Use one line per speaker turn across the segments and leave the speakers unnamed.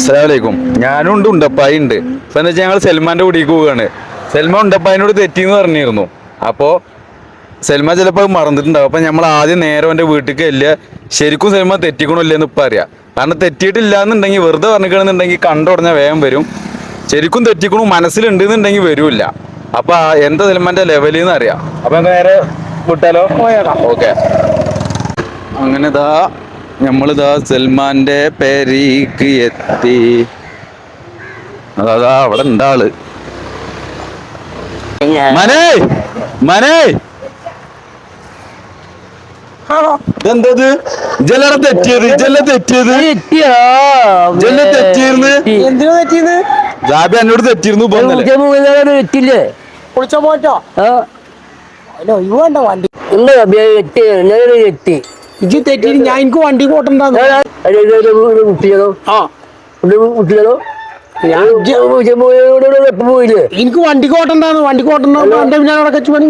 അസ്സലാമലൈക്കും. ഞാനും ഉണ്ട്, ഉണ്ടപ്പായി ഉണ്ട്. ഇപ്പൊ എന്താ വെച്ചാൽ ഞങ്ങൾ സൽമാന്റെ കൂടിക്ക് പോവുകയാണ്. സൽമാൻ ഉണ്ടപ്പായിനോട് തെറ്റിന്ന് പറഞ്ഞിരുന്നു. അപ്പോ സൽമാൻ ചിലപ്പോൾ മറന്നിട്ടുണ്ടാവും. അപ്പൊ നമ്മൾ ആദ്യം നേരെ എന്റെ വീട്ടിലേക്ക് ഇല്ല, ശരിക്കും സൽമാൻ തെറ്റിക്കണില്ലെന്ന് ഇപ്പൊ അറിയാം. കാരണം തെറ്റിയിട്ടില്ല എന്നുണ്ടെങ്കിൽ, വെറുതെ പറഞ്ഞിക്കണമെന്നുണ്ടെങ്കിൽ കണ്ടുടഞ്ഞാൽ വേഗം വരും. ശരിക്കും തെറ്റിക്കണു മനസ്സിലുണ്ട് എന്നുണ്ടെങ്കിൽ വരൂല്ല. അപ്പൊ എന്താ സൽമാന്റെ ലെവലിന്ന് അറിയാം. അപ്പൊ നേരെ വിട്ടാലോ? ഓക്കെ. അങ്ങനെ നമ്മളിതാ സൽമാന്റെ പേരീക്ക് എത്തി. അതാ അവിടെ ഉണ്ടാള്. മനേ മനേ ഇതെന്തത്? ജല തെറ്റിയത് ജാബി എന്നോട് തെറ്റിയിരുന്നു.
ഇജ്ജ് തെറ്റി. ഞാൻ എനിക്ക് വണ്ടി കോട്ടുണ്ടാകും. എനിക്ക് വണ്ടി കോട്ടുണ്ടാകുന്നു. വണ്ടി കോട്ടുണ്ടാകും ഞാൻ അവിടെ കച്ചു പണി.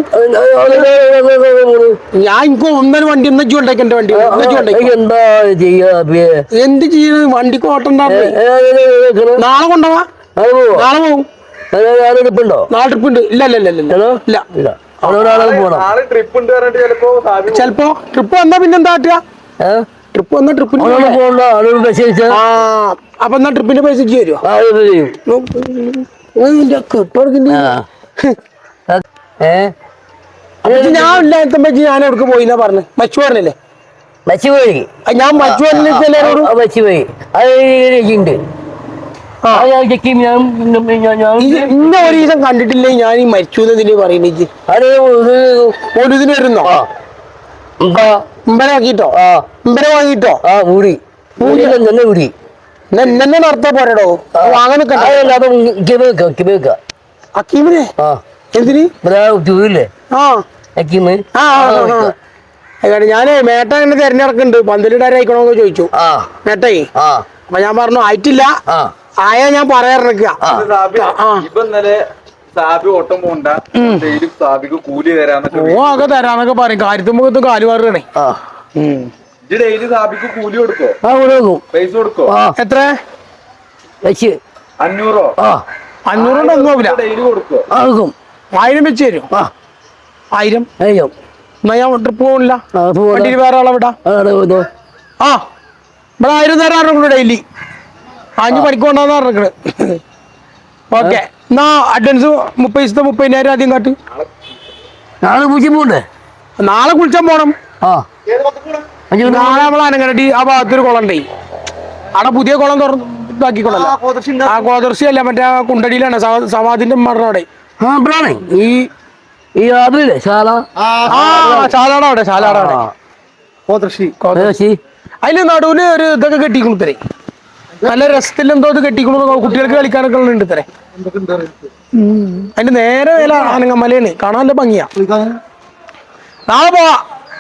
ഞാൻ എനിക്ക് ഒന്നര വണ്ടി ഒന്നു ഉണ്ടാക്കി. എന്റെ വണ്ടി എന്താ എന്ത് ചെയ്യുന്നത്? വണ്ടി കോട്ടുണ്ടാകും. നാളെ കൊണ്ടുപോവാ. നാളെ പോകും. നാളെ ട്രിപ്പ് ഉണ്ട്. ഇല്ല ചെലപ്പോ ട്രിപ്പ് വന്നാ പിന്നെന്താ കാട്ടുക? ട്രിപ്പ് വന്നാ ട്രിപ്പിന് അപ്പൊ എന്നാ ട്രിപ്പിന്റെ പൈസ തരുമോ? ഞാൻ ഇല്ലാത്ത ഞാൻ എവിടെ പോയിന്നാ പറഞ്ഞു. മച്ചു പറഞ്ഞല്ലേ? ഞാൻ മച്ചു ഇന്ന ഒരു ദിവസം കണ്ടിട്ടില്ലേ ഞാൻ ഈ മരിച്ചു എന്നതിന് പറയുന്നത്? ഒരു ഇതിന് വരുന്നോ? ഇമ്പനെ വാങ്ങിട്ടോ? എന്നെ നടത്താ പോരടോ. വാങ്ങാനൊക്കെ അക്കീമിനെ എന്തിന്? ഞാനേ മേട്ട എന്നെ തെരഞ്ഞെടുക്കുന്നുണ്ട്. പന്തലിടാരായിക്കണോന്ന് ചോദിച്ചു മേട്ടേ. അപ്പൊ ഞാൻ പറഞ്ഞു ആയിട്ടില്ല, ആയാ ഞാൻ പറയാറിരിക്ക. ഒക്കെ തരാന്നൊക്കെ പറയും. കാര്യത്തുമ്പോ കാല് മാറുകയാണേ. എത്ര? 500. 500 ഒന്നും ആവില്ല. 1000 വെച്ച് തരും. 1000 എന്നാ ഞാൻ ട്രിപ്പ് പോകണില്ല. വണ്ടിയിൽ വേറെ ആളെ വിടാം. ഇവിടെ 1000 തരാറുണ്ട് ഡെയിലി. 5 പണിക്ക് കൊണ്ടാന്ന് പറഞ്ഞിരിക്കണ്. ഓക്കെ എന്നാ അഡ്വാൻസ് 30,000 ആദ്യം കാട്ട്. നാളെ കുളിച്ചാൻ പോണം. നാളെ നമ്മൾ അനങ്ങരട്ടി ആ ഭാഗത്തൊരു കുളം ഉണ്ടേ. അവിടെ പുതിയ കുളം ഇതാക്കിക്കൊള്ളല്ലോ. ആ കോദർശി അല്ല, മറ്റേ കുണ്ടടിയിലാണ് സമാധിന്റെ മരണവിടെ. അതിന് നടുവിന് ഒരു ഇതൊക്കെ കെട്ടിക്കണു തരേ. നല്ല രസത്തിൽ എന്തോ ഇത് കെട്ടിക്കണു. കുട്ടികൾക്ക് കളിക്കാനൊക്കെ ഉണ്ട് തരേ. അതിന്റെ നേരെ വില ആനങ്ങമലയാണ്. കാണാൻ നല്ല ഭംഗിയാ. നാളെ പോവാ.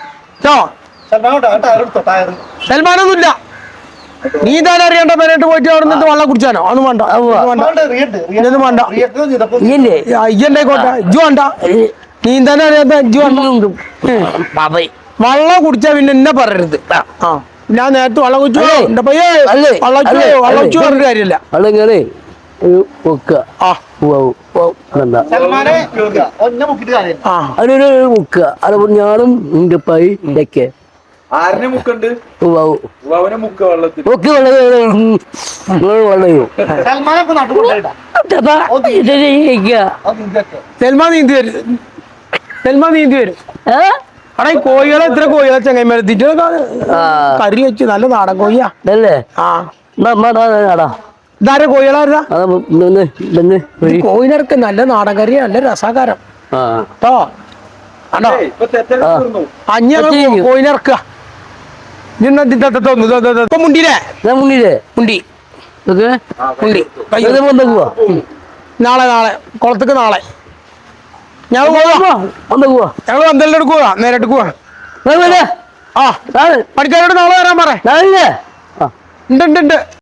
സൽമാനൊന്നുമില്ല. നീ തന്നെ അറിയണ്ട. പേരായിട്ട് പോയിട്ട് അവിടെ നിന്ന് വെള്ളം കുടിച്ചാനോ? അതൊന്നും വേണ്ട. ഇതൊന്നും വേണ്ട. ഇയ്യണ്ടായിക്കോട്ടെ. ഇജ്ജു വേണ്ട. നീ തന്നെ അറിയാത്ത ഇജ്ജു വേണ്ട. വെള്ളം കുടിച്ചാ പിന്നെ എന്നെ പറയരുത്. ഞാൻ നേരത്തെ വെള്ളം കുടിച്ചു. എന്റെ പയ്യെ വെള്ളം കുടിച്ചു പറഞ്ഞിട്ട് കാര്യമില്ല.
ഞാനും ഉണ്ടപ്പായി
സൽമാൻ നീന്തി വരും. അവിടെ ഈ കോഴികളെ എത്ര കോഴികളെ ചങ്ങന്മാരെത്തിട്ട് കറി വെച്ച് നല്ല നാടൻ കോഴിയാ. ഇതാരെ കോഴികളായിരുന്നാ? കോഴിനടക്ക് നല്ല നാടൻ കറി, നല്ല രസാകാരം കേട്ടോ. കോഴിനിറക്കുക. മുണ്ടിയില്ലേ? മുണ്ടി നാളെ കുളത്തേക്ക് നാളെ ഞങ്ങൾ പന്തലിന്റെ എടുക്കുക. നേരിട്ട് പോവാ. പണിക്കാരോട് നാളെ വരാൻ പറ. ഉണ്ട്.